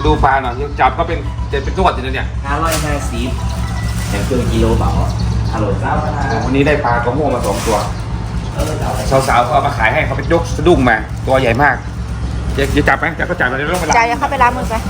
ดูปลาหน่อยจับก็เป็นจะเป็นตัวจริงๆเนี่ย 550แต่ครึ่งกิโลเปล่าอร่อยเจ้าวันนี้ได้ปลากระโม่มา2 ตัวสาวๆเขาเอามาขายให้เขาไปยกสะดุ้งมาตัวใหญ่มากจะจับไหมจับก็จับมาเดี๋ยวต้องไปล้างจ่ายเข้าไปล้างมือไป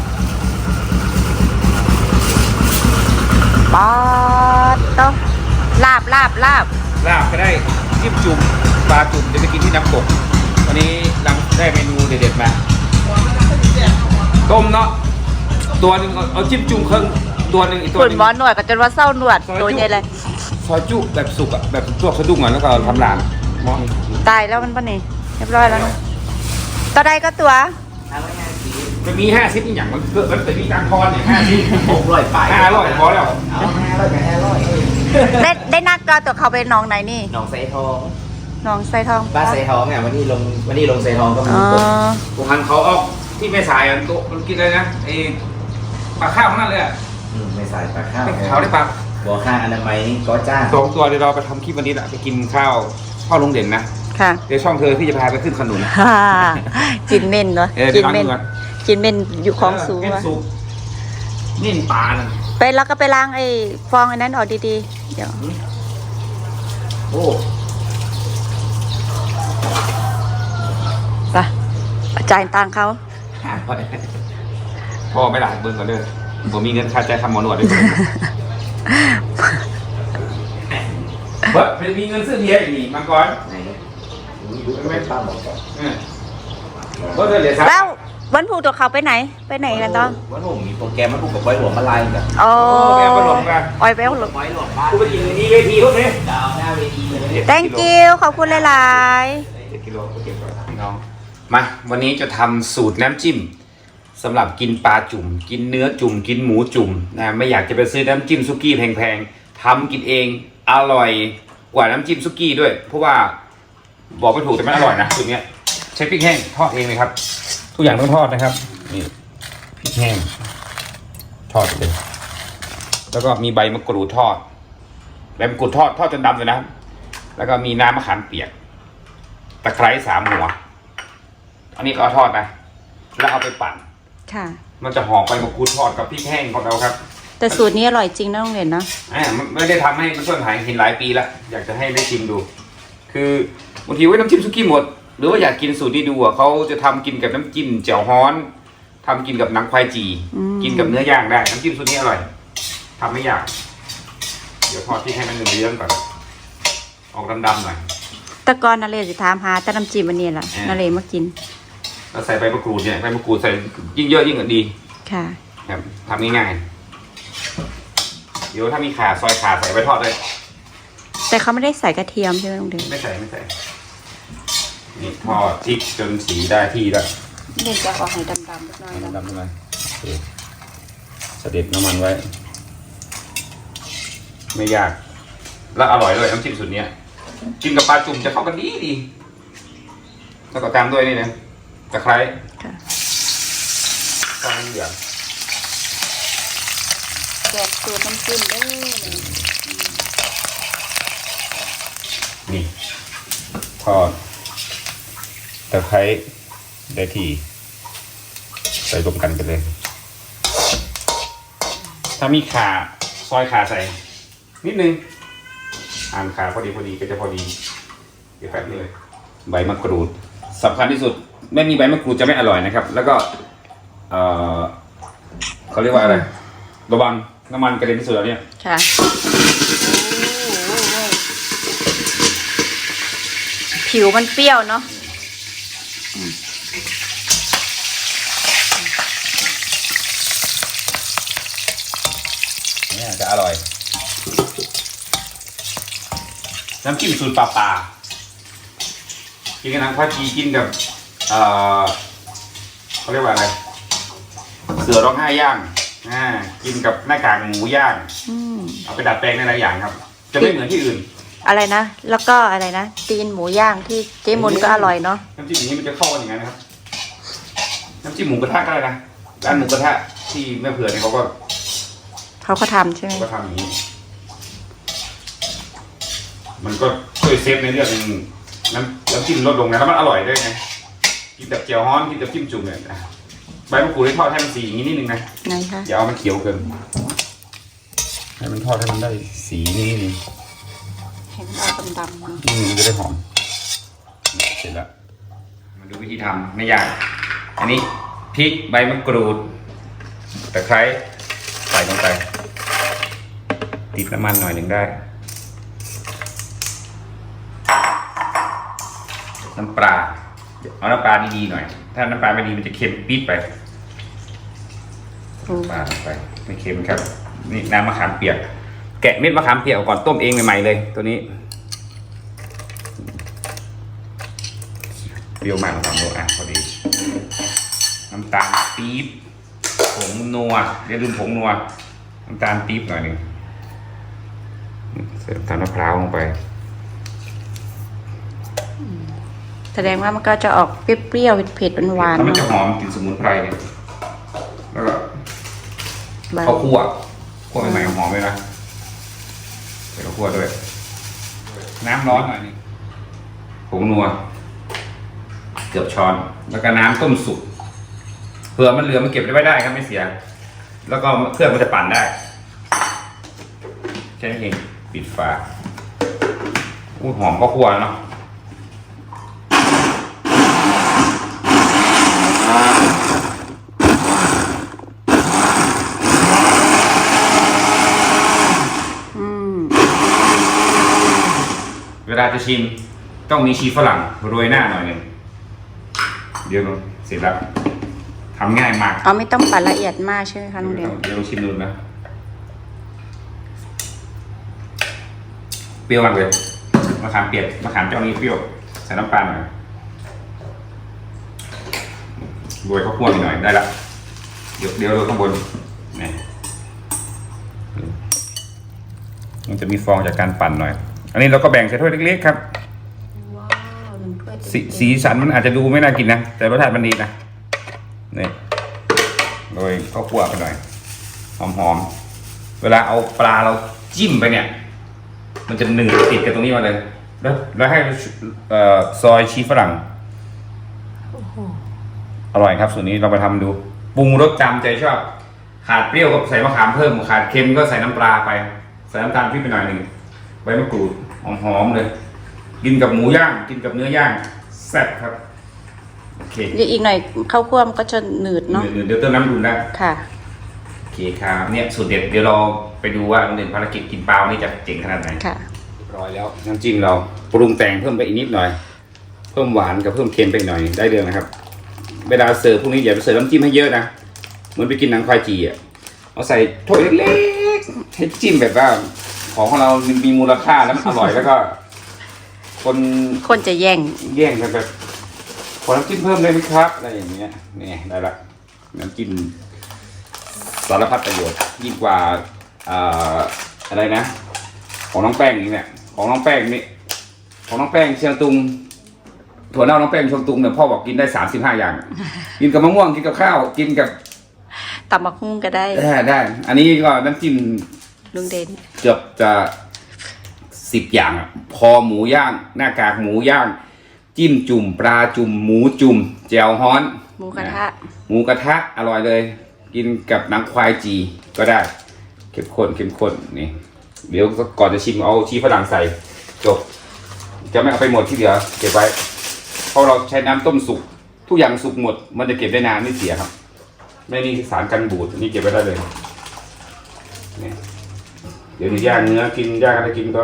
ป๊อดต้องลาบลาบก็ได้จิ้มจุ่มปลาจุ่มจะไปกินที่น้ำตกวันนี้ได้เมนูเด็ดๆมาต้มเนาะตัวหนึ่งเอาจิ้มจุ่มครึ่งตัวหนึ่งอีกตัวขุนนึงหมอนวดกับจนว่าเศร้าหนวดตัวใหญ่เลยซอยจุแบบสุกอ่ะแบบพวกสะดุ้งอ่ะแล้วก็ทำหลานมองตายแล้วมันปะนี่เรียบร้อยแล้วนะตัวใดก็ตัวจะมี50อีกอย่างมันเกิดมันจะมีการทอนเนี่ย50 600ไป 500พอแล้วเอา500กับ500 ได้นัดก็ตัวเขาไปน้องไหนนี่หนองไซทองน้องไซทองบ้านไซทองเนี่ยวันนี้ลงไซทองก็มีอ๋อผมหันเขาออกที่แม่สายอ่ะโต๊ะมันกินอะไรนะไอ้ปลาข้าวนั่นเลยอ่ะไม่ใส่ปลาข้าวเขาได้ปลาบ่อข้างอนามัยนี่ก็จ้าง 2 ตัวเดี๋ยวเราไปทำคลิปวันนี้แหละไปกินข้าวลุงเด่นนะค่ะเดี๋ยวช่องเธอพี่จะพาไปขึ้นขนุนฮ่ากินเม่นเนาะเดี๋กิยวนเม่นล้างมือก่อนกินเม่นอยู่ของสูงเม่นวะสุกนี่ปลาน่ะไปแล้วก็ไปล้างไอ้ฟองอันนั้นออกดีๆเดี๋ยวโอ้ไปจ่ายตังค์เขาพ่อไม่หลายเบิ่งก่อนเด้อผมมีเงินค่าใจทำหมอนวดด้วยเฮ้ยมีเงินซื้อเบียร์อีกนี่มังกรไหนดูไม่ป้าบอกก่อนก็เดือดเลยครับแล้ววันพูตัวเขาไปไหนกันต้องวันผมมีโปรแกรมมันผูกกับไว้หลวงมาลายกันโอ้ไปเอาไปหลงกันออยไปเอาหลงไว้หลวงบ้านกูไปกินนี่เวทีพวกนี้ดาวหน้าเวทีเลย thank you ขอบคุณหลาย 7 กิโลก็เก็บไว้พี่น้องมาวันนี้จะทำสูตรน้ำจิ้มสำหรับกินปลาจุ่มกินเนื้อจุ่มกินหมูจุ่มนะไม่อยากจะไปซื้อน้ำจิ้มซุกี้แพงๆทำกินเองอร่อยกว่าน้ำจิ้มซุกี้ด้วยเพราะว่าบอกไม่ถูกแต่มันอร่อยนะสูตรเนี้ยใช้พริกแห้งทอดเองเลยครับทุกอย่างต้องทอดนะครับนี่พริกแห้งทอดเลยแล้วก็มีใบมะกรูดทอดใบมะกรูดทอดจนดำเลยนะครับแล้วก็มีน้ำมะขามเปียกตะไคร้3 หัวอันนี้ก็เอาทอดนะแล้วเอาไปปั่นๆค่ะมันจะหอมใบมะกรูดทอดกับพริกแห้งของเราครับแต่สูตรนี้อร่อยจริงนะน้องเด่นนะมันไม่ได้ทำให้มันช่วยหายเห็นหลายปีแล้วอยากจะให้ได้ชิมดู คือบางทีไว้น้ำจิ้มซุกี้หมด หรือว่าอยากกินสูตรนี้ดูอ่ะเขาจะทำกินกับน้ำจิ้มแจ่วฮ้อนทำกินกับหนังควายจีกินกับเนื้อย่างได้น้ำจิ้มสูตรนี้อร่อยทำไม่ยากเดี๋ยวทอดพริกให้มันเหลืองๆก่อนออกดำๆหน่อยแต่ก่อนนาเลสิถามหาแต่น้ำจิ้มอันนี้แหละนาเลมากินแล้วใส่ใบมะกรูดเนี่ยใบมะกรูดใส่ยิ่งเยอะยิ่งดีค่ะครับทำง่ายๆเดี๋ยวถ้ามีข่าซอยข่าใส่ไปทอดเลยแต่เขาไม่ได้ใส่กระเทียมใช่ไหมน้องเด่นไม่ใส่นี่ทอดพริกจนสีได้ที่แล้วเด่นจะออกให้ดำๆนิดหน่อยดำขึ้นมาโอเคเสด็จน้ำมันไว้ ไม่ยากแล้วอร่อยด้วยน้ำจิ้มสูตรเนี้ยกินกับปลาจุ่มจะเข้ากันดีแล้วก็ตามด้วยนี่นะตะไคร้ค่ะตอนเหลืองแกะสูตรน้ำจิ้มเด้อนี่ทอดตะไคร้ได้ที่ใส่รวมกันไปเลย ถ้ามีข่าซอยข่าใส่นิดนึงหั่นข่าพอดีก็จะพอดีเดี๋ยวแป๊บนึงเลยใบมะกรูดสำคัญที่สุดไม่มีใบมะกรูดจะไม่อร่อยนะครับ แล้วก็เขาเรียกว่าอะไรระวังน้ำมันกระเด็นที่สุดแล้วเนี่ยค่ะผิวมันเปรี้ยวเนาะเนี่ยจะอร่อยน้ำจิ้มสูตรปลากินกับน้ำข้าวจีกินกับเขาเรียกว่าอะไรเสือร้องไห้ย่างกินกับหน้ากากหมูย่างเอาไปดัดแปลงในหลายอย่างครับ จะไม่เหมือนที่อื่นอะไรนะแล้วก็อะไรนะตีนหมูย่างที่เจ๊มนก็อร่อยเนาะน้ำจิ้มอย่างนี้มันจะเข้ากันอย่างนั้นนะครับน้ำจิ้มหมูกระทะก็ได้นะร้านหมูกระทะที่แม่เผื่อเนี่ยเขาก็ทำใช่ไหมทำอย่างนี้ มันก็ช่วยเซฟในเรื่องน้ำจิ้มลดลงนะแล้วมันอร่อยด้วยไงกินแบบเจียวฮ้อนกินแบบจิ้มจุ่มเนี่ยใบมะกรูดให้ทอดให้มันสีอย่างนี้นิดนึงนะไหนคะอย่าเอามันเขียวเกินให้มันทอดให้มันได้สีนี้นิดนึงเห็นเอาดำๆมามันจะได้หอมเสร็จแล้วมาดูวิธีทำไม่ยากอันนี้พริกใบมะกรูดตะไคร้ใส่ลงไปติดน้ำมันหน่อยหนึ่งได้น้ำปลาเอาน้ำปลาดีๆหน่อยถ้าน้ำปลาไม่ดีมันจะเค็มปี๊ดไปน้ำปลาลงไปไม่เค็มครับนี่น้ำมะขามเปียกแกะเม็ดมะขามเปียกออกก่อนต้มเองใหม่ๆเลยตัวนี้เปรี้ยวมากนะครับอ่ะพอดีน้ำตาลปี๊บผงนัวเรียกรุ่นผงนัวน้ำตาลปี๊บหน่อยหนึ่งใส่น้ำตาลมะพร้าวลงไปแสดงว่ามันก็จะออกเปรี้ยวๆเผ็ดๆหวานแล้วๆมันจะเนาะหอมกลิ่นสมุนไพรเนี่ยแล้วก็ใบข้าวคั่วใหม่ๆหอมเลยนะใส่ข้าวคั่วด้วยน้ำร้อนหน่อยนึงผงนัวเกือบช้อนแล้วก็น้ำต้มสุกเผื่อมันเหลือมันเก็บได้ครับไม่เสียแล้วก็เครื่องมันจะปั่นได้แค่นี้เองปิดฝาอู้หอมข้าวคั่วเนาะเวลาจะชิมต้องมีชีฝรั่งโรยหน้าหน่อยหนึ่งเดี๋ยวเสร็จแล้วทำง่ายมากเอาไม่ต้องปั่นละเอียดมากใช่ไหมคะลุงเดียวเดี๋ยวชิมดูนะเปรี้ยวมากเลยมะขามเปียกมะขามเจ้านี้เปรี้ยวใส่น้ำปลาหน่อยโรยข้าวคั่วหน่อยได้ละเดี๋ยวโรยข้างบนนี่มันจะมีฟองจากการปั่นหน่อยอันนี้เราก็แบ่งใส่ถ้วยเล็กๆครับว้าวหนึ่งถ้วยเต็มๆสีสันมันอาจจะดูไม่น่ากินนะแต่รสชาติมันดีนะนี่โรยข้าวคั่วไปหน่อยหอมๆเวลาเอาปลาเราจิ้มไปเนี่ยมันจะหนืดติดกับตรงนี้มาเลยแล้วให้ซอยชีฝรั่งอร่อยครับส่วนนี้เราไปทำดูปรุงรสจำใจชอบขาดเปรี้ยวก็ใส่มะขามเพิ่มขาดเค็มก็ใส่น้ำปลาไปใส่น้ำตาลพริกไปหน่อยหนึ่งใบมะกรูดหอมๆเลยกินกับหมูย่างกินกับเนื้อย่างแซ่บครับโอเคเดี๋ยวอีกหน่อยข้าวคั่วมันก็จะหนืดเนาะเดี๋ยวเติมน้ำอุ่นได้ค่ะโอเคครับเนี่ยสูตรเด็ดเดี๋ยวเราไปดูว่าโรงเรียนภารกิจกินปลาวันนี้จะเจ๋งขนาดไหนค่ะเรียบร้อยแล้วน้ำจิ้มเราปรุงแต่งเพิ่มไปอีกนิดหน่อยเพิ่มหวานกับเพิ่มเค็มไปหน่อยได้เรื่องนะครับเวลาเสิร์ฟพวกนี้อย่าไปเสิร์ฟน้ำจิ้มให้เยอะนะเหมือนไปกินหนังควายจีอ่ะเอาใส่ถ้วยเล็กๆให้จิ้มแบบว่าของเรามีมูลค่าแล้วมันอร่อยแล้วก็คนจะแย่งแย่งกันแบบขอน้ำจิ้มเพิ่มได้ไหมครับอะไรอย่างเงี้ยนี่ได้ละน้ำจิ้มสารพัดประโยชน์ยิ่งกว่าอะไรนะของน้องแป้งนี่เนี่ยของน้องแป้งนี่ของน้องแป้งเชียงตุงถั่วเน่าน้องแป้งเชียงตุงเนี่ยพ่อบอกกินได้35 อย่าง กินกับมะม่วงกินกับข้าวกินกับตับมะฮุ่งก็ได้ได้ อันนี้ก็น้ำจิ้มลุงเด่นเกือบจะ10 อย่างอะคอหมูย่างหน้ากากหมูย่างจิ้มจุ่มปลาจุ่มหมูจุ่มแจ่วฮ้อนหมูกระทะหมูกระทะอร่อยเลย กินกับหนังควายจีก็ได้เข้มข้นนี่เดี๋ยวก่อนจะชิมเอาชีฝรั่งใส่จบจะไม่เอาไปหมดที่เหลือเก็บไว้เพราะเราใช้น้ำต้มสุกทุกอย่างสุกหมดมันจะเก็บได้นานไม่เสียครับไม่มีสารกันบูดนี่เก็บไว้ได้เลยนี่เดี๋ยวย่างเนื้อกินย่างอะไรกินก็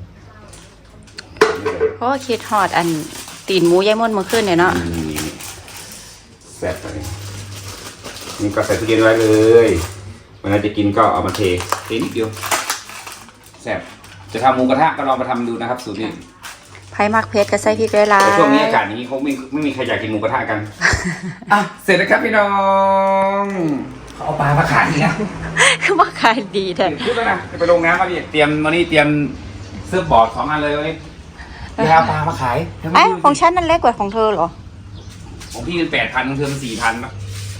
เพราะว่าคิดฮอดอันตีนหมูยายม่วนเมื่อคืนเนี่ยเนาะแซ่บไปนี่ก็ใส่ตู้เย็นไว้เลยเวลาจะกินก็เอามาเทนิดเดียวแซ่บจะทำหมูกระทะก็ลองมาทำดูนะครับสูตรนี้ไผ่มักเพชรก็ใส่พริกหลายแต่ช่วงนี้อากาศนี้เขาไม่มีใครอยากกินหมูกระทะกัน อ่ะเสร็จแล้วครับพี่น้องเขาเอาปลามาขายอีกแล้วคือว่าขายดีแท้พูดแล้วนะจะไปลงน้ำมาดิเตรียมวันนี้เตรียมเสื้อบอร์ด2 อันเลยวันนี้จะเอาปลามาขายไอ้ของฉันมันเล็กกว่าของเธอเหรอของพี่เป็น8,000ของเธอมัน4,000นะ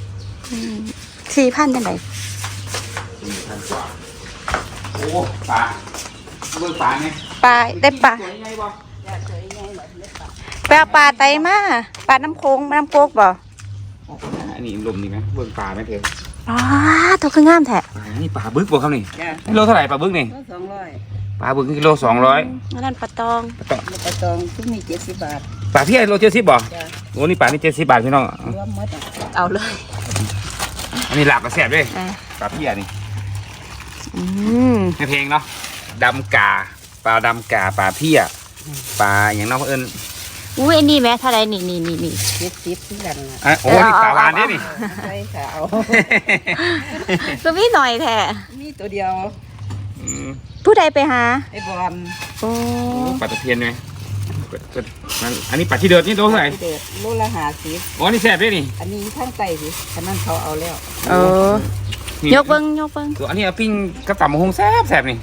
4,000จังได 4,000 กว่าโอ้ปลาเบิกปลาไงปลาได้ปลาสวยไงบ่ไปเอาปลาไตมาปลาน้ำโค้งน้ำโคกบ่อันนนี้ลมนี่ไหมเบิ่งปลาไหมเธออ๋อตัวคืองามแท้นี่ปลาบึกบ่ครับนี่จ้ะกิโลเท่าไหร่ปลาบึกนี่ 200 ปลาบึกกิโล200 อันนั้นปลาตองปลาตองทุกนี่70 บาทปลาเพี้ยโล70บ่จ้ะโอ้นี่ปลานี่70 บาทพี่น้องรวมหมดอ่ะเอาเลยอันนี้หลับกระแสบด้วยอ่ะปลาเพี้ยนี่อืมในเพลงเนาะดำกาปลาดำกาปลาเพี้ยปลาอย่างน้องเอิญอุ้ยอันนี้แม่เท่าไรนี่ 70ที่กันน่ะอ่ะโอ้นี่ปลาวานเนี่ยนี่ใช่ค่ะเอาก็มีหน่อยแท้มีตัวเดียวอืมผู้ใดไปหาไอ้บอลโอ้ปลาตะเพียนไหมอันนี้ปลาที่เดือดนี่โลเท่าไหร่เด็ดโลละ50 อ๋อนี่แสบด้วยนี่อันนี้ข้างใต้สิอันนั้นเขาเอาแล้วเออนี่ยกเบิ้งยกเบิ้งตัวอันนี้เอาปิ้งกระต่ำมะฮงแสบนี่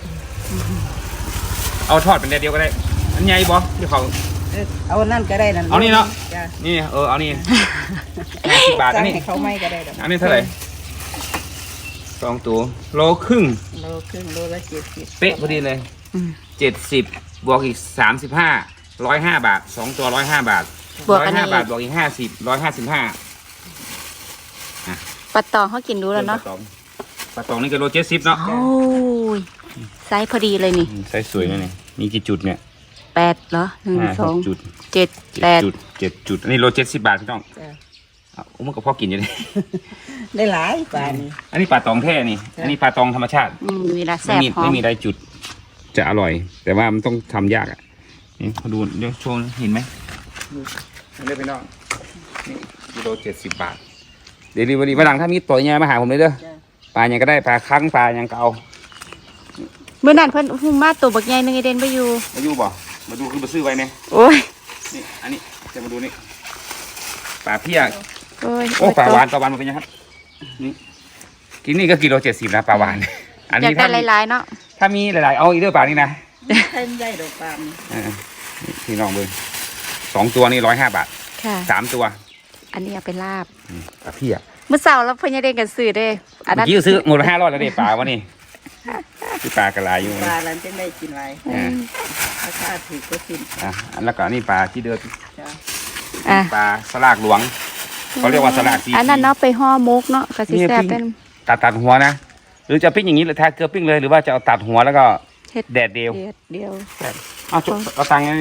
เอาทอดเป็นเดียวก็ได้อันใหญ่บ่เดี๋ยวเขาเอานั่นก็ได้นั่นเอานี่เนาะจ้ะนี่เอานี่50 บาทอันนี้ให้เขาไม่ก็ได้ดอกอันนี้เท่าไหร่2 ตัวโลครึ่งโลครึ่งโลละ70 เป๊ะพอดีเลยอืม 70บวกอีก35 105 บาท2 ตัว105 บาทบวกอันนี้ 105 บาทบวกอีก50 155 ปลาตองเขากินรู้แล้วเนาะปลาตองนี่ก็โล70เนาะโอ้ยไซส์พอดีเลยนี่ใส่สวยนะนี่มีกี่จุดเนี่ย 8เหรอ1 2 จุด 7 8 จุด7จุดอันนี้โล70 บาทพี่น้องจ้ะเอามันก็พอกินอยู่เลยได้หลายปลานี่อันนี้ปลาตองแท้นี่ อันนี้ปลาตองธรรมชาติมีละแสไม่บมีหอไม่มมีได้จุด จะอร่อย แต่ว่ามันต้องทำยากอ่ะนี่มาดูเดี๋ยวโชว์เห็นไหมเรียกพี่น้องนี่กิโล70 บาทเดี๋ยววันนี้วันหลังถ้ามีตัวใหญ่มาหาผมเลยเด้อจ้ะปลาอย่างก็ได้ปลาคั้งปลาอย่างก็เอาเมื่อนั้นเพิ่นหุ้มมาตัวบักใหญ่นึงไอเดนไปอยู่มาดูบ่มาดูคือมาซื้อไว้เนี่ยโอ้ยนี่อันนี้จะมาดูนี่ปลาเพี้ยโอ้ยโอ้ปลาหวานมันเป็นยังครับนี่กินนี่ก็กิโล70นะปลาหวาน อันอยากนี้ได้ถ้ามีหลายๆเนาะถ้ามีหลายๆเอาอีกเด้อปลานี่นะใช่ใหญ่ดอกปลานี่นี่พี่น้องเบิ่ง2 ตัวนี่105 บาทค่ะ 3 ตัวอันนี้เอาไปลาบปลาเพี้ยเมื่อเช้าแล้วเพิ่นยังเด้กันซื้อเด้อันเมื่นั้อน กี้ซื้อหมดละ500แล้วเด็ปลาวะนี่คือปลากระไรอยู่ปลาหลังจะได้กินหลายอ่าราคาถูกก็กินอันแล้วก็นี่ปลาที่เดือดจ้ะอ่ะปลาสลากหลวงเขาเรียกว่าสลากซีอันนั้นเนาะไปห่อหมกเนาะก็สิแซ่บเป็นตัดหัวนะ หรือจะปิ้งอย่างนี้หรือทาเกลือปิ้งเลยหรือว่าจะเอาตัดหัวแล้วก็เฮ็ดแดดเดียวเดียวเอาจุเอาตังค์ยังไง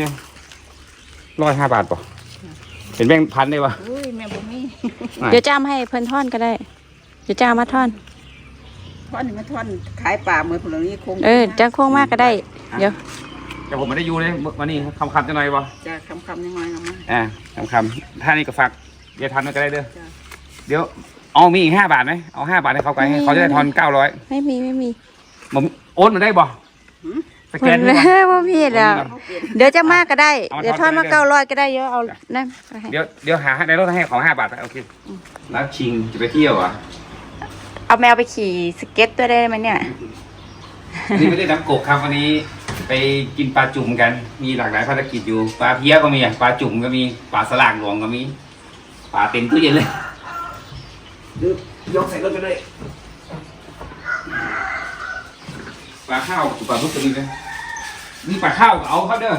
105 บาทป่ะเป็นแบงค์พันได้ป่ะอุ้ยแม่บ่มีเดี๋ยวจ้ามให้เพิ่นทอนก็ได้ เดี๋ยวจ้ามาทอนท่อนนี่มันท่อนขายปลาเหมือนพวกนี้คงจ้าโค้งมากก็ได้ เดี๋ยวแต่ผมไม่ได้อยู่เลยวันนี้คำจะหน่อยป่ะจะคำยังไงเอามาคำถ้านี่ก็ฝากเดี๋ยวทันมันก็ได้เด้อจ้ะเดี๋ยวเอามีอีก5 บาทไหมเอา5 บาทให้เขาไปให้เขาจะได้ทอน900 ไม่มีผมโอนมาได้บ่สแกนเพิ่ได้นบ่บ่มีแล้วเขาเปลี่ยนเดี๋ยวจะมากก็ได้เอามาเดี๋ยวทอนมาทอนไปเรื่อย 900ก็ได้เยอะเอานั่นไปให้เดี๋ยวหาในรถให้ของ5 บาทโอเคแล้วชิงจะไปเที่ยวอ่ะเอาแมวไปขี่สเก็ตด้วยได้ไหมเนี่ยนี่ไม่ได้น้ำกกครับวันนี้ไปกินปลาจุ่มกัน มีหลากหลายภารกิจอยู่ปลาเพี้ยก็มีปลาจุ่มก็มีปลาสลากหลวงก็มีปลาเต็มตู้เย็นเลยยกใส่รถไปเลยปลาข้าวปลาทุกตัวนี้เลยนี่ปลาข้าวก็เอาครับเด้อ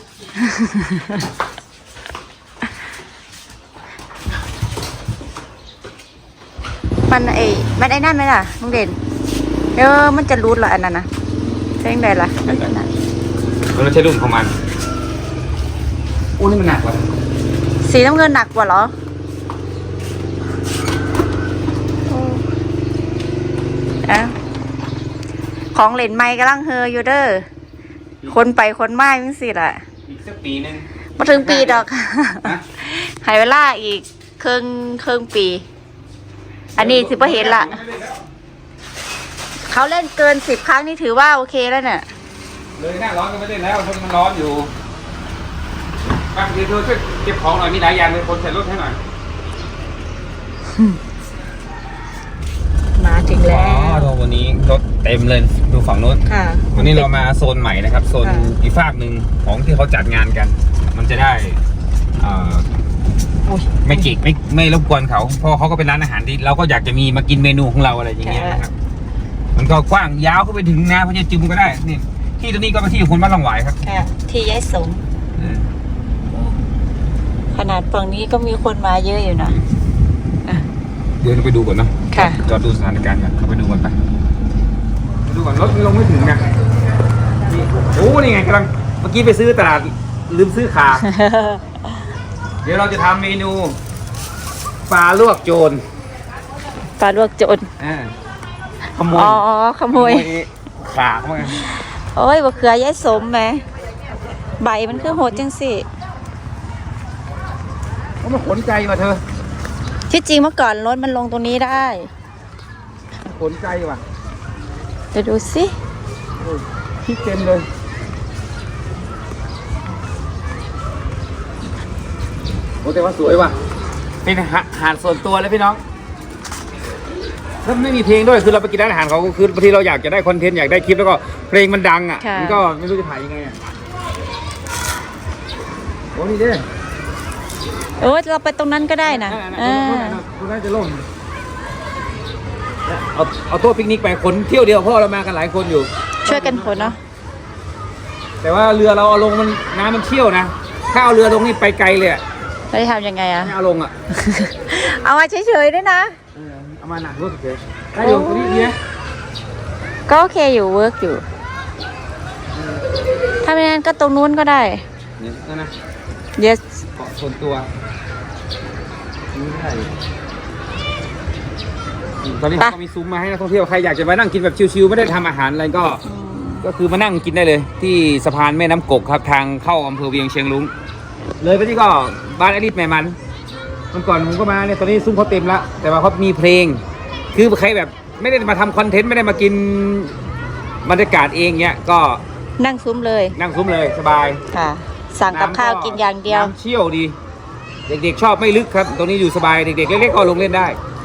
มันมันไอ้นั่นไหมล่ะลุงเด่นมันจะรูดเหรออันนั้นนะใช่ยังไงล่ะมันไม่ใช่รุ่นของมันโอ้นี่มันหนักว่ะสีน้ำเงินหนักกว่าเหรออะของเหรนไม้กำลังเฮออยู่เด้อคนไปคนมาจังสิล่ะอีกสักปีนึงมาถึงปีดอกฮะหายเวลาอีกครึ่งปี อันนี้สิบ่เห็นละเขาเล่นเกิน10 ครั้งนี่ถือว่าโอเคแล้วเนี่ยเลยหน้าร้อนก็ไม่เล่นแล้วเพราะมันร้อนอยู่บางทีเธอช่วยเก็บของหน่อยมีหลายอย่างเลยคนใส่รถให้หน่อยมาถึงแล้ววันนี้รถเต็มเลยดูฝั่งโน้นค่ะวันนี้เรามาโซนใหม่นะครับโซนค่ะอีกฝากหนึ่งของที่เขาจัดงานกัน มันจะได้ไม่จิกไม่รบกวนเขาเพราะเขาก็เป็นร้านอาหารที่เราก็อยากจะมีมากินเมนูของเราอะไรอย่างเงี้ยนะครับมันก็กว้างยาวเข้าไปถึงนะพระเจ้าจุมก็ได้นี่ที่ตรงนี้ก็เป็นที่ของคนบ้านหลังหวายครับค่ะที่ยายสมขนาดฝั่งนี้ก็มีคนมาเยอะอยู่นะเดินไปดูก่อนเนาะค่ะจอดดูสถานการณ์ก่อนเข้าไปดูก่อนไปดูก่อนรถมันลงไม่ถึงนะนี่โอ้นี่ไงกำลังเมื่อกี้ไปซื้อตลาดลืมซื้อขา เดี๋ยวเราจะทำเมนูปลาลวกโจรปลาลวกโจรขโมยอ๋อขโมยขาเข้ามาโอ้ยบะเขือยายสมไหมใบมันคือโหดจังสิมันขนใจว่ะเธอที่จริงเมื่อก่อนรถมันลงตรงนี้ได้ขนใจว่ะเดี๋ยวดูสิคิดเต็มเลยโอ้แต่ว่าสวยว่ะเป็นอาหารส่วนตัวเลยพี่น้องถ้าไม่มีเพลงด้วยคือเราไปกินร้านอาหารเขาคือบางทีเราอยากจะได้คอนเทนต์อยากได้คลิปแล้วก็เพลงมันดังอ่ะมันก็ไม่รู้จะถ่ายยังไงอ่ะโอ้นี่เด้โอ้ยเราไปตรงนั้นก็ได้นะคุณน่าจะล่มเอาโต๊ะปิกนิกไปคนเที่ยวเดียวเพราะเรามากันหลายคนอยู่ช่วยกันขนเนาะแต่ว่าเรือเราเอาลงมันน้ำมันเชี่ยวนะถ้าเอาเรือลงนี่ไปไกลเลยอ่ะเราจะทำยังไงอะไม่เอาลงอ่ะเอามาเฉยๆด้วยนะเอามาหนักรู้สึกเลยได้อยู่ตรงนี้เนี่ยก็โอเคอยู่เวิร์กอยู่ ถ้าไม่งั้นก็ตรงนู้นก็ได้เนี่ยนั่นนะ yes เกาะส่วนตัวนี่ได้ตอนนี้เขาก็มีซุ้มมาให้นักท่องเที่ยวใครอยากจะมานั่งกินแบบชิวๆไม่ได้ทำอาหารอะไรก็คือมานั่งกินได้เลย ที่สะพานแม่น้ำกกครับทางเข้าอำเภอเวียงเชียงรุ้งเลยไปที่ก็บ้านอลิศแม่มันมันก่อนผมก็มาเนี่ยตอนนี้ซุ้มเขาเต็มแล้วแต่ว่าเขามีเพลง คือใครแบบไม่ได้มาทำคอนเทนต์ไม่ได้มากินบรรยากาศเองเนี้ยก็นั่งซุ้มเลยนั่งซุ้มเลยสบายค่ะ สั่งกับข้าวกินอย่างเดียวน้ำเชี่ยวดี เด็กๆชอบไม่ลึกครับ ตรงนี้อยู่สบายเด็กๆเล็กๆก็ลงเล่นได้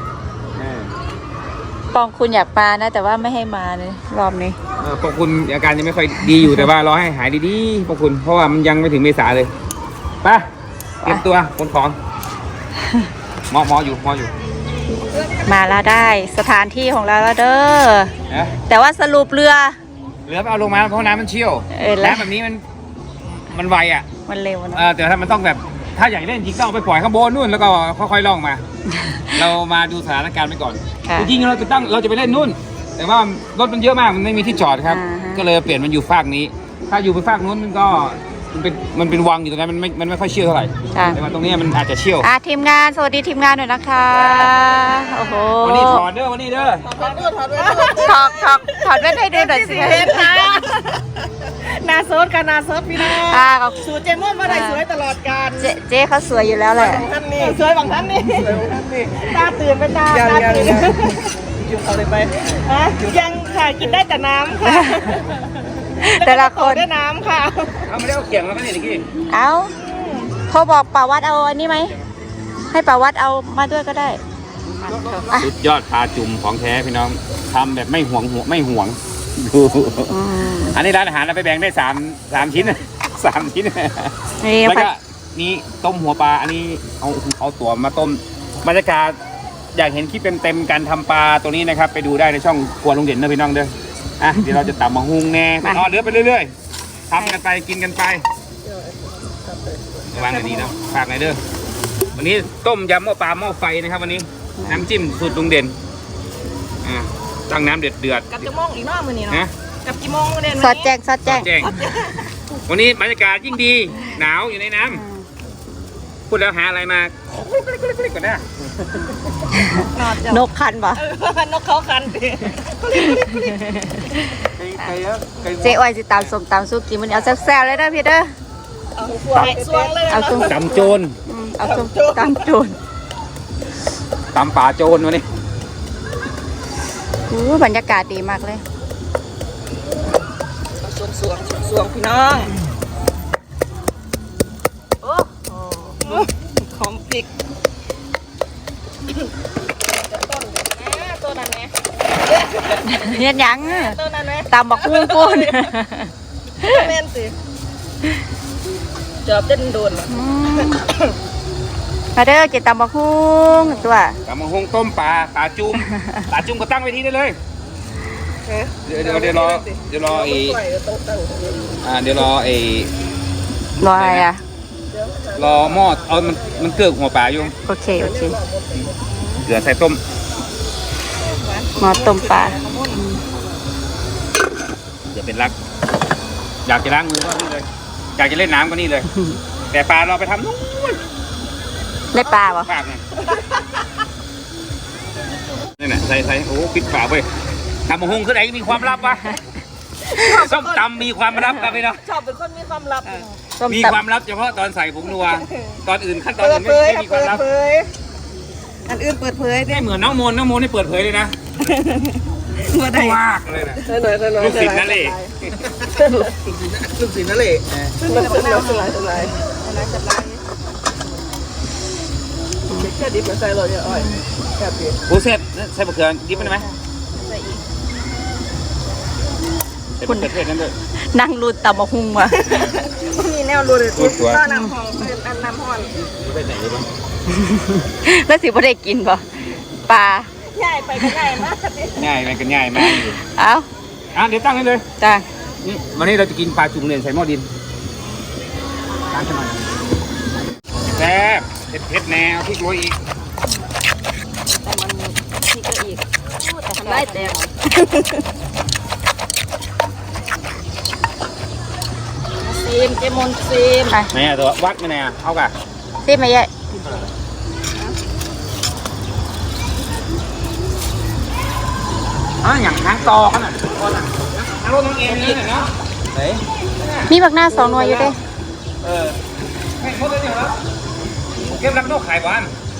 ปองคุณอยากมานะ แต่ว่าไม่ให้มาเลยรอบนี้พวกคุณอาการยังไม่ค่อยดีอยู่ แต่ว่ารอให้หายดีๆพวกคุณเพราะว่ามันยังไม่ถึงเมษาเลยไปเตรียมตัวขนของหมออยู่มาแล้วได้สถานที่ของเราแล้วเด้อนะแต่ว่าสรุปเรือเหลือไปเอาลงมาเพราะน้ำมันเชี่ยวแล้วน้ำแบบนี้มันไวอ่ะมันเร็วนะแต่ถ้ามันต้องแบบถ้าอยากเล่นจริงต้องเอาไปปล่อยข้างบนนู่นแล้วก็ค่อยๆล่องมา เรามาดูสถานการณ์ไปก่อนค่ะจริงๆเราจะไปเล่นนู่น แต่ว่ารถมันเยอะมากมันไม่มีที่จอดครับอ่าฮะก็เลยเปลี่ยนมันอยู่ฝากนี้ ถ้าอยู่ไปฝากนู้นมันก็มันเป็นวังอยู่ตรงนั้นมันไม่ค่อยเชี่ยวเท่าไหร่ค่ะแต่ว่าตรงนี้มันอาจจะเชี่ยวทีมงานสวัสดีทีมงานหน่อยนะคะ โอ้โหวันนี้ถอดเด้อวันนี้เด้อถอดแว่นให้ดูหน่อยสินาโซดกันนาโซดพี่น้องค่ะสูตรเจมอนมาได้สวยตลอดการเจ๊เขาสวยอยู่แล้วแหละท่านนี่สวยบางท่านนี่สวยบางท่านนี่ตาตื่นเป็นตาตื่นอยู่เขาเลยไปยังค่ะกินได้แต่น้ำค่ะแต่ละคนได้น้ำค่ะเอาไม่ได้เอาเขียงแล้วก็เนี่ยเมื่อกี้เอาโทรบอกป่าวัดเอาอันนี้ไหม ให้ป่าวัดเอามาด้วยก็ได้อ่ะสุดยอดปลาจุ่มของแท้พี่น้องทำแบบไม่ห่วงดูอืมอันนี้ร้านอาหารเราไปแบ่งได้สามชิ้น 3 ชิ้นนี่แล้วผัดก็นี่ต้มหัวปลาอันนี้เอาตัวมาต้มบรรยากาศอยากเห็นคลิปเต็มๆการทำปลาตัวนี้นะครับ ไปดูได้ในช่องครัวลุงเด่นนะพี่น้องเด้ออ่ะเดี๋ยวเราจะตำมะฮุงแน่เดือไปเรื่อยๆทำกันไปกินกันไปวางกันดีนะฝากหน่อยเด้อวันนี้ต้มยำหม้อปลาหม้อไฟนะครับ วันนี้น้ำจิ้มสูตรลุงเด่นตั้งน้ำเดือดกับกี่โมงอีกเนาะมื้อนี้ๆเนาะนะกับกี่โมงเด่นสอดแจ้งสอดแจ้งแจ้งวันนี้บรรยากาศยิ่งดีหนาวอยู่ในน้ำพูดแล้วหาอะไรมาก่อนนะนกคันปะนกเขาคันดิเจ๊อ้อยสิตามส้มตามสู้กินมันเอาแซ่บๆเลยนะพี่เด้อสวงเลยเอาส้มตำโจรเอาส้มตามโจรตำป่าโจรวันนี้บรรยากาศดีมากเลยสวงพี่น้องโอ้หอมพริกต้นนั้นไหมเฮ็ดหยังต้นนั้นไหมตามบักฮุ้งปูนแม่นสิจอบเต้นโดนมาเด้อกินตามบักฮุ้งตัวตำมะฮงต้มปลาจุ่มก็ตั้งไว้ที่ได้เลยเดี๋ยวรอเดี๋ยวรอไอ้รออะไรอ่ะรอหม้อเอามันเกิดหัวปลาอยู่โอเคเกลือใส่ต้มหมอต้มปลาเกลือเป็นรัก อยากจะล้างมือก็นี่เลย อยากจะเล่นน้ำก็นี่เลย แต่ปลาเราไปทำนู่นได้ปลาบ่ปากเนี่ยนี่แหละใส่โอ้ปิดฝาไปทำมะฮุงขึ้นไหนมีความลับวะส้มตำมีความลับครับพี่น้องชอบเป็นคนมีความลับต้มมีตับความลับเฉพาะตอนใส่ผงนัวตอนอื่นขั้นตอนเปิอื่ดนเผยไม่ครับมีความเปิดลับเผยอันอื่นเปิดเผยเนี่ยไม่เหมือนน้องโมนนี่เปิดเผยเลยนะมาได้มากเลยนะหน่อยลูกศิษย์นั่นเลยลูกศิษย์นั่นแหละซึ่งมันเป็นน้ำสลายแค่ดิบมาใส่เลยอ้อยแค่ดิบปูเสร็จใส่มะเขือดิบมันไหมใส่อีกใส่มะเขือเทศนั่นด้วยนั่งรูดตำบักหุ่งว่ะมีแนวรูเลยก็น้ำหอมเป็นอันน้ำห่อนไปไหนเลยบ้างแล้วสิบ่ได้กินบ่ปลาใหญ่ไปก็ใหญ่มากง่ายมันก็ง่ายมากอยู่เอ้าเดี๋ยวตั้งให้เลยจ้านี่วันนี้เราจะกินปลาจุ่มเลยใส่หม้อดินล้างกันหน่อยแซ่บเผ็ดแนวพริกโรยอีกแต่มันนี่ก็อีกแต่ทำได้แต่ซีมเจมอนซีมไปไหนอ่ะตัววัดไม่ไหนอ่ะเอากะซิมาเยอะอย่างทางต่อขนาดคนอ่ะทางรถน้องเอ็มนี่เนาะไหนมีบักหน้า2 หน่วยอยู่เด้ไม่หมดเลยเหรอเก็บรับนกขายบ้าน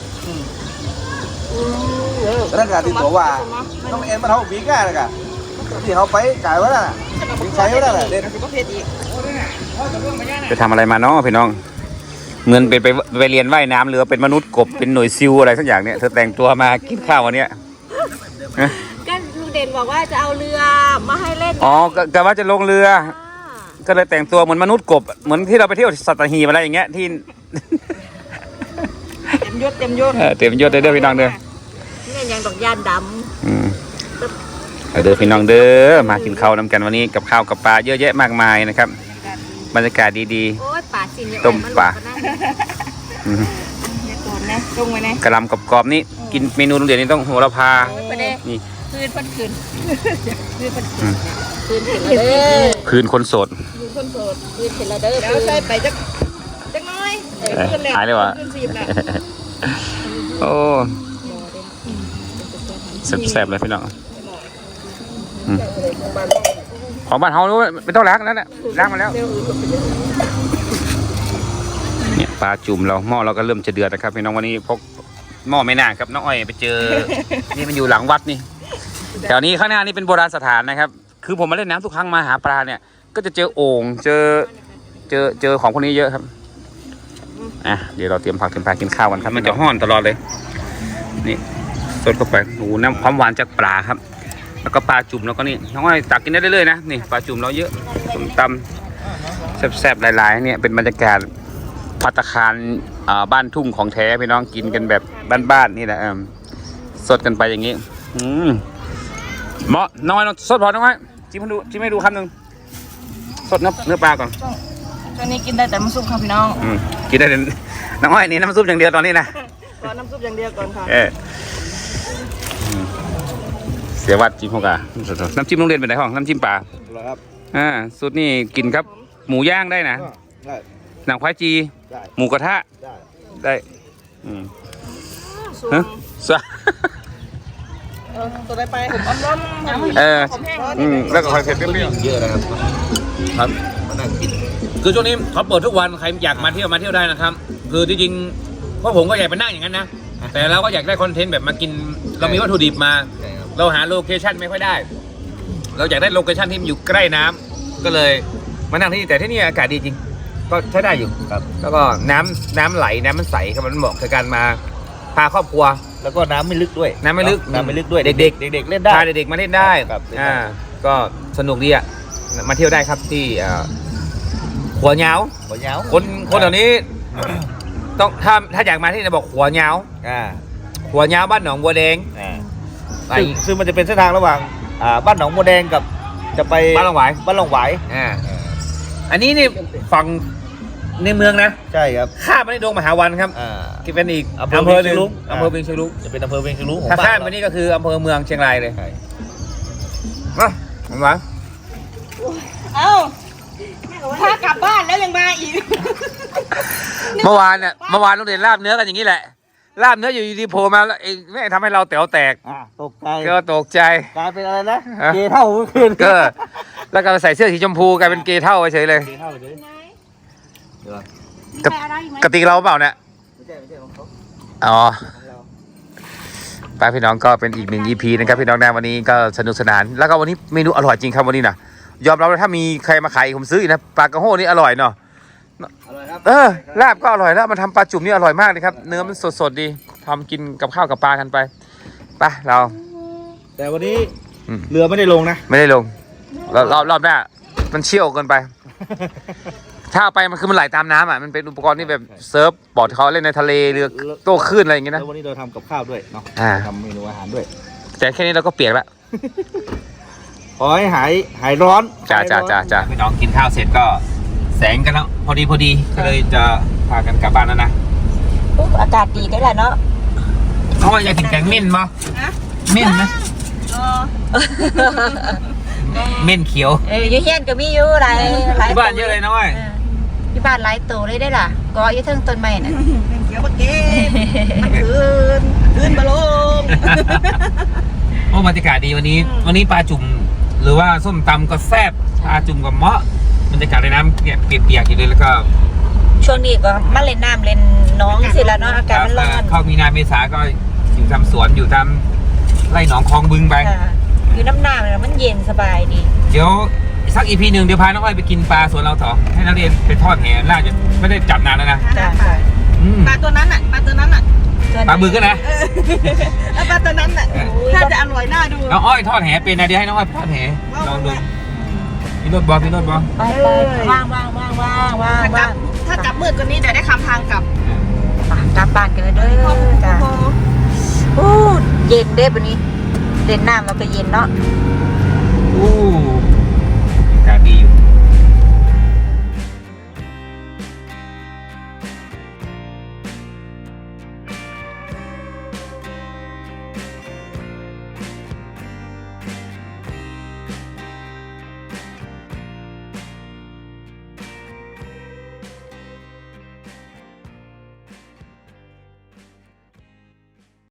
พนักงานติดตัวว่าต้องเอ็นมาเท่าวิ่งง่ายเลยกันที่เขาไปไก่วะน่ะวิ่งใช้วะน่ะเด่นก็เพชรอีกไปทำอะไรมาเนาะพี่น้องเงินเป็นไปเรียนว่ายน้ำหรือเป็นมนุษย์กบเป็นหน่วยซิลอะไรสักอย่างเนี่ยเธอแต่งตัวมากินข้าววันเนี้ยก็ลุงเด่นบอกว่าจะเอาเรือมาให้เล่นอ๋อกะว่าจะลงเรือ ก็เลยแต่งตัวเหมือนมนุษย์กบเหมือนที่เราไปเที่ยวสัตหีบอะไรอย่างเงี้ยที่เต็มยศเต็มยศเด้อพี่น้องเด้อนี่ยังดอกยานดเด้อพี่น้องเด้อมากินข้าวนำกันวันนี้กับข้าวกับปลาเยอะแยะมากมายนะครับบรรยากาศดีำโอ้ยป่าสินต้มปลาเๆเนี่ยโกนนะลงไว้นะกระหลำกรอบๆนี่กินเมนูโรงเรียนนี่ต้องโหระพาไปเด้นี่คืนเพิ่นคืนอืมคืนเสร็จแล้วเด้อคืนคนโสดอยู่คนโสดคืนเสร็จแล้วเด้อเดี๋ยวใส่ไปจักน้อยหายเลยวะขึ้นซีมแล้วโอ้แซ่บๆเลยพี่น้องอืมของบ้านเฮาไม่ต้องล้างแล้วแหละล้างมาแล้วเนี่ยปลาจุ่มเราหม้อเราก็เริ่มจะเดือดนะครับพี่น้องวันนี้พกหม้อไม่นานครับน้องอ้อยไปเจอ นี่มันอยู่หลังวัดนี่แถวนี้ข้างหน้านี่เป็นโบราณสถานนะครับ คือผมมาเล่นน้ำทุกครั้งมาหาปลาเนี่ย ก็จะเจอโอ่งเจอของพวกนี้เยอะครับเดี๋ยวเราเตรียมผักเตรียมปลากินข้าวกันครับมันจะห้อนตลอดเลยนี่สดเข้าไปโอ้โหน้ำความหวานจากปลาครับ แล้วก็ปลาจุ่มแล้วก็นี่น้องอ้อยตักกินได้เรื่อยๆนะนี่ปลาจุ่มเราเยอะส้มตำแซ่บๆหลายๆเนี่ยเป็นบรรยากาศภัตตาคารบ้านทุ่งของแท้พี่น้องกินกันแบบบ้านๆนี่แหละสดกันไปอย่างนี้เหมาะน้อยสดพอน้อยจิ้มให้ดูคำหนึ่งสดเนื้อปลาก่อนช่วงนี้กินได้แต่น้ำซุปค่ะพี่น้องกินได้น้องอ้อยนี่น้ำซุปอย่างเดียวตอนนี้นะขอน้ำซุปอย่างเดียวก่อนค่ะเสียวัดจิ้มพวกอะน้ำจิ้มโรงเรียนเป็นไหนห้องน้ำจิ้มปลาครับสูตรนี่กินครับหมูย่างได้นะได้หนังควายจีได้หมูกระทะได้ได้ฮะสะตัวได้ไปผมอ้อมผมแห้งแล้วก็คอยเผ็ดเปรี้ยวเยอะนะครับครับมานั่งกินๆคือช่วงนี้เขาเปิดทุกวันใครอยากมาเที่ยวได้นะครับ คือที่จริงพวกผมก็อยากไปนั่งอย่างนั้นนะแต่เราก็อยากได้คอนเทนต์แบบมากินเรามีวัตถุดิบมาใช่ครับเราหาโลเคชั่นไม่ค่อยได้ เราอยากได้โลเคชั่นที่มันอยู่ใกล้น้ำก็เลยมานั่งที่นี่แต่ที่นี่อากาศดีจริง ก็ใช้ได้อยู่ครับแล้วก็น้ำไหลน้ำมันใสครับมันเหมาะกับการมาพาครอบครัวแล้วก็น้ำไม่ลึกด้วยน้ำไม่ลึกน้ำไม่ลึกด้วยเด็กเด็กๆเล่นได้พาเด็กๆมาเล่นได้ครับเล่นได้ก็สนุกดีอ่ะมาเที่ยวได้ครับที่หัวเหงาหัวเหงาคนเหล่านี้ต้องถ้าอยากมาที่นี่บอกหัวเหงาอ่าหัวเหงาบ้านหนองบัวแดงซึ่งมันจะเป็นเส้นทางระหว่างบ้านหนองบัวแดงกับจะไปบ้านหนองหวายบ้านหนองหวายอันนี้นี่ฝั่งในเมืองนะใช่ครับข้ามไปในดงมหาวันครับที่เป็นอีกอำเภอหนึ่งอำเภอเวียงเชียงรุ้งจะเป็นอำเภอเวียงเชียงรุ้งของถ้าบ้าข้ามนไปนี่ก็คืออำเภอเมืองเชียงรายเลยใช่มาผมว่าเอ้าถ้ากลับบ้านแล้วยังมาอีกเมื่อวานโรงเรียนลาบเนื้อกันอย่างนี้แหละลาบเนื้ออยู่ดีๆโผล่มาแล้วเองไม่ทำให้เราแต๋วแตกตกใจก็ตกใจกลายเป็นอะไรนะเกย์เท่าเมื่อคืนก็แล้วก็ใส่เสื้อสีชมพูกลายเป็นเกย์เท่าเฉยเลยเกย์เท่าเลยเดี๋ยวมีใครอะไรอีกไหมกติกเราเปล่าเนี่ยไม่ใช่ของเขาอ๋อของเราไปพี่น้องก็เป็นอีกหนึ่ง EP นะครับพี่น้องนะวันนี้ก็สนุกสนานแล้วก็วันนี้เมนูอร่อยจริงครับวันนี้นะยอมรับเลยถ้ามีใครมาขายผมซื้ออีกนะปลากระโห้นี่อร่อยเนาะอร่อยครับลาบก็อร่อยแล้วมันทำปลาจุ่มนี่อร่อยมากเลยครับเนื้อมันสดๆดีทำกินกับข้าวกับปลากันไปไปเราแต่วันนี้เรือไม่ได้ลงนะไม่ได้ลงรอบหน้ามันเชี่ยวเกินไป ถ้าเอาไปมันคือมันไหลตามน้ำอ่ะมันเป็นอุปกรณ์ที่แบบเซิร์ฟบอร์ดเขาเล่นในทะเลเรือโต้คลื่นอะไรอย่างเงี้ยแล้นะววันนี้เราทำกับข้าวด้วยเนาะ ทำเมนูอาหารด้วยแต่แค่นี้เราก็เปียกแล้วขอให้หายร้อนจ้าพี่น้องกินข้าวเสร็จก็แสงกันแล้วพอดีก็เลยจะพากันกลับบ้านแล้วนะปุ๊บอากาศดีได้แหละเนาะเขาอยากกินแกงเม่นมั้ยเม่นนะรอเม่นเขียวอยู่เฮียนก็มีอยู่หลายที่บ้านเยอะเลยน้อยที่บ้านหลายตัวเลยได้ล่ะก็อยู่เทิงต้นไม้น่ะเดี๋ยวมาเก็บมาคืนมาลงโอ้บรรยากาศดีวันนี้ปลาจุ่มหรือว่าส้มตำก็แซ่บปลาจุ่มกับเมาะบรรยากาศในน้ำเนี่ยเปียกๆอยู่เลยแล้วก็ช่วงนี้ก็มาเล่นน้ำเล่นน้องสิแล้วเนาะอากาศมันร้อนเข้ามีนาเมษาก็อยู่ทำสวนอยู่ทำไร่หนองคลองบึงไปค่ะอยู่น้ำหน้ามันเย็นสบายดีเดี๋ยวสักอีพีหนึ่งเดี๋ยวพาน้องอ้อยไปกินปลาสวนเราต่อให้นักเรียนไปทอดแหน่าจะไม่ได้จับนานแล้วนะจ้ะค่ะอืมปลาตัวนั้นอ่ะปลาบึกก็นะปลาตัวนั้นอ่ะถ้าจะอร่อยน่าดูน้องอ้อยทอดแหเป็นนะเดี๋ยวให้น้องอ้อยทอดแหลองดูพี่รถบอลไปว่างถ้ากลับมืดกว่านี้เดี๋ยวได้คำทางกลับกลับบ้านกันเลยเด้อจ้ะเย็นเด้อวันนี้เล่นน้ำแล้วก็เย็นเนาะอู้